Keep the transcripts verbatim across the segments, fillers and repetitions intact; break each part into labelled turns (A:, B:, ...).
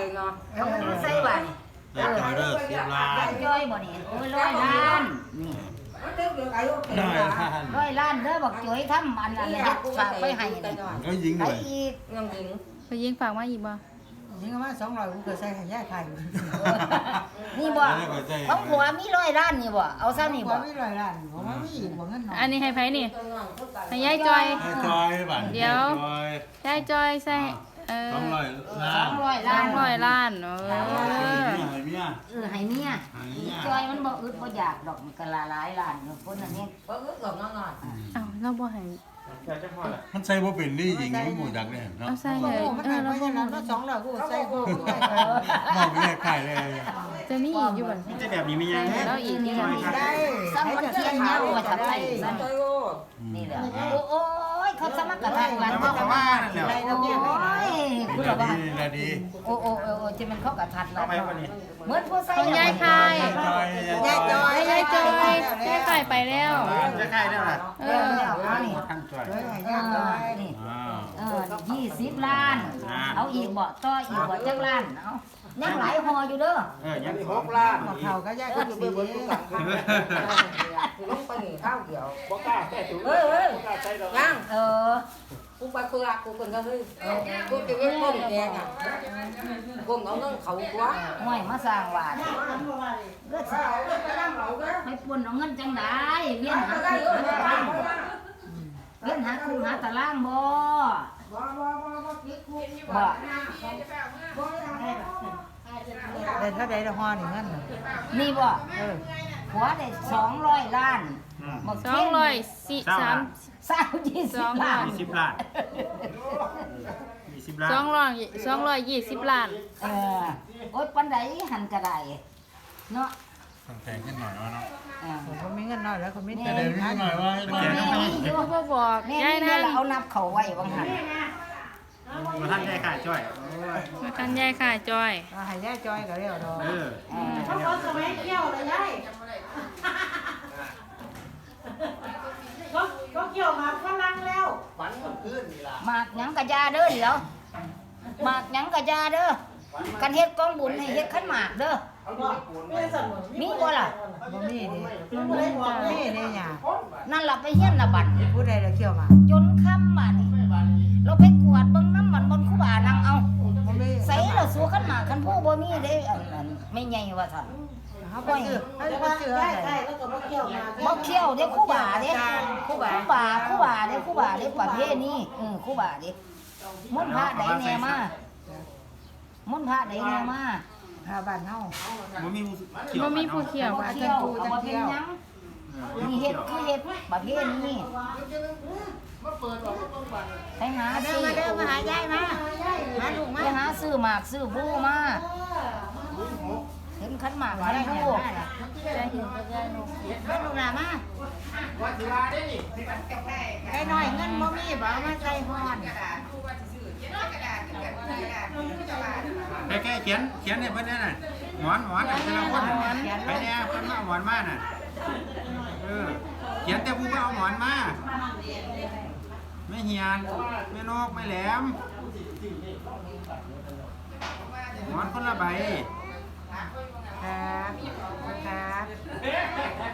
A: เนาะใส่บัตร
B: ได้จอยเด้อสิบล้าน
A: จ้อยบ่นี่โอ้ยร้อยล้านนี่ร้อยล้านเด้อบอกจ้อยทำอันนั้นเฮ็ดฝากไปให้นี่
B: ก็ยิงห
A: ไอ้
B: น่อย
A: อีกยังยิง
C: ไปยิงฝากมาอีกบ่
D: ยิงมาสองร้อยกูเคยใส่ให้ย่าไข่
A: นี่บ่ของผัวมีร้อยล้านนี่บ่เอาซะนี่
D: บ่
A: บ่
D: มีร้อยล้านผมว่ามีอีกบ่เงินน้อย
C: อันนี้ให้ไผนี่ให้ยายจอย
B: ได้จอยบัตร
C: เดี๋ยว ยายจอยใส่เออ
B: สองร้อย
A: ส
B: ล้า
A: อน งร้อย
C: ส
A: ล้า
C: อน งร้อยล้านเออ
B: ให้เมีย
A: เออให้เมีย
B: ให้เมีย
A: จอยมันบ่อึดบ่อยากดอกมันก็ละหลายล้านอยู่คนนั้นนี่บ่อึดดอกน้อย
C: เอ้าเราบ่ให้
B: มันใส่บ่เป็นนี่ยิงมันหมูดักเลยเนาะ
C: เอาใส่
D: โอ้
C: เลย
D: มัน
C: เอ
D: ได้
C: อ
D: ไป
C: เราบ่
D: ยั
C: ให้
D: งนั้นสองร้อยกูใส่กู
B: มองไปแยกไข่เลย
C: จะมีอีกอยู่บ่
E: จะแบบนี้ไม่ยัง
C: ใส่เราอีกนี่ก็มี
D: ได้
A: ซ้ำมันเทียนยาวมาทำไมนั่นนี่แหละโอ้ยเขาสมัครกระทางร้าน
E: แล้วก็ว่านั่นแหละ
A: โอ้ยคุณ
B: ละ
A: ละว่า
B: ดีละดี
A: โอ้โอ้โอ้จะมันเข้ากระทันแล้ว
E: ไปวันนี้
A: เหมือนผู้ใส่
C: ของยายคาย
B: จอย
D: ยายจอย
C: ยายจอยยายคายไปแล้ว
E: จะใกล้แล้วล่ะ
C: เอ
A: เอ
C: อ
A: อเอานี่
E: ท่านช่วย
D: เฮ้ยให้
A: เอย่
D: าจอ
A: อย นี่
B: อ้าว
A: เออยี่สิบล้าน เอาอีกบ่ต่ออีกบ่จักล้านเอายังหลายหออยู่เด้อ
E: เออยังหกล้าน
D: หมดเท่าก็ย่าก็สี
A: ลงไปนี่ข้าวเดียว
E: บ่กล้าแค่ถูก
A: เฮ้ยเฮ้ย
E: บ่กล้าใช้ดอก
A: ยังเออกูไปคือรักกูเป็นก็เฮ้ยกูจะเว้นก้มแดงอ่ะก้มเอาเงินเขากว่าห่วยมาสร้างวาดก็สาวไม่ปวนเอาเงินจังไดเวียนหาคู่หาตารางเวียนหาคู่หาตารางบ่บ่
D: ได้เท่าใดละฮอนี่เงิน
A: นี่บ่
D: เออ
A: หัวได้สองร้อยล้านบ่
C: สองร้อยสี่สาม
A: สามยี่สิบล้าน
E: ยี่สิบล้านยี่สิบล้าน
C: สองร้อยสองร้อยยี่สิบล้าน
A: เออโอ๊ยปันใดหันก็ได้เนาะ
B: แพงขึ้นหน่อยว่าเนาะ
A: เออ
D: ผมมีเงินน้อยแล้วผมมี
B: แต่
D: แต่
B: เดี๋ยวนี้หน่อยว่าให้มา
A: แม่นี่อยู่
C: บ่บอก
A: แม่
C: ยาย
A: นี่
C: นั่ง
A: เราเอานับเขาไว้บางหัน
E: มาท่านได้ค่าช่วย
C: มากันยายค่ะจอย
D: ให้ย่าจอยก็เรียกดอก
E: เออ
A: เออ
D: เขาบอกสมัยเกี่ยวเลยยายเขาเขาเกี่ยวมาฝรั่งแล้ว
A: หมากหยังกะยาเด้อเดี๋ยวหมากหยังกะยาเด้อกันเฮ็ดกองบุญให้เฮ็ดขันหมากเด้อมีบ่ล่ะ
D: บ่มีดิ
C: มันบ่จ้ะ
D: มีเด้ย่า
A: นั่นล่ะไปเฮียนน่ะบัด
D: ผู้ใดละเกี่ยวมา
A: จนค่ำมานี่เราไปกวาดเบิ่งน้ำมันบนคูบานั่งเอา
D: บ่มี
A: ใส่เราสู้ขันหมากขันผู้บ่มีเด้อันนั้นไม่ใหญ่ว่าซั่น
D: เขาไปซื้อเขาไปซื้ออะไร
A: บ่เคี่ยวเด้คู่บ่าเด้คู่บ่าคู่บ่าคู่บ่าเด้คู่บ่าเด้ประเภทนี้เออคู่บ่าเด้มนต์พระใดแน่มามนต์พระใดแน่มา
D: หาบ้านเฮา
E: บ่มี
C: บ่มีผู้เขียว
A: บ่เคี่ยวเอาบ่เป็นหยังนี่เฮ็ดคือเฮ็ดประเภทนี้ไปหาซื้อมาเด้อมาหายายมามาลูกมาไปหาซื้อหมากซื้อผู้มาเห็นขันหมากขันผู้
C: จะเห็นก็ได้ลูก
A: มาลูกหลานมา
D: ไอ้น้อยเงินบ่มีบ่เอามาใส่ฮอน
E: แค่แค่เขียนเขียนให้เพิ่นนั่นน่ะหมอนหมอนแต่ละคนไปแน่เพิ่นมาหมอนมาน่ะเออเขียนแต่ผู้บ่เอาหมอนมาไม่เฮียนไม่นกไม่แหลมหมอนคนละใบ
D: ครับครับ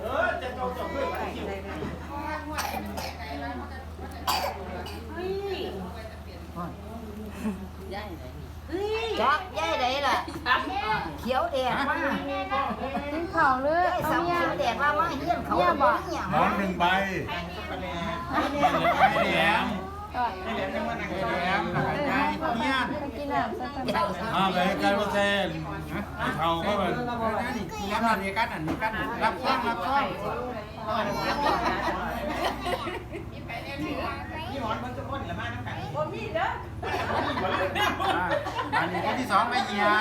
A: จักยายใดล่ะเขียวแดดมา
C: กินข้าวเลย
A: ยาย
C: เอา
A: สาว
C: เมีย
A: เขียวแดดมามาเฮียนเขาบ่มีหยัง
B: หมอนหนึ่งใบ
E: ไม่แหลม
C: ก่อน
E: ไม่แหลมไม่แหลมแล้วก็ยายเฮียน
C: ไปกินน้ำสักกัน
B: อ้าวไปใกล้ว่าเส้นเขาก็แบบ
E: นี่แล้วนอนนี่กันอันนี้กันรับฟังรับฟังอันนี้คนที่สองไม่เฮียน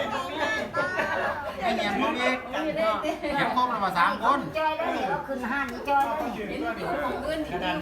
E: ไม่เฮียนพวกนี้เก็บครบแล้วมาสามคน
A: จอยแล้วนี่เราขึ้นห้านนี่จอยแล้วนี่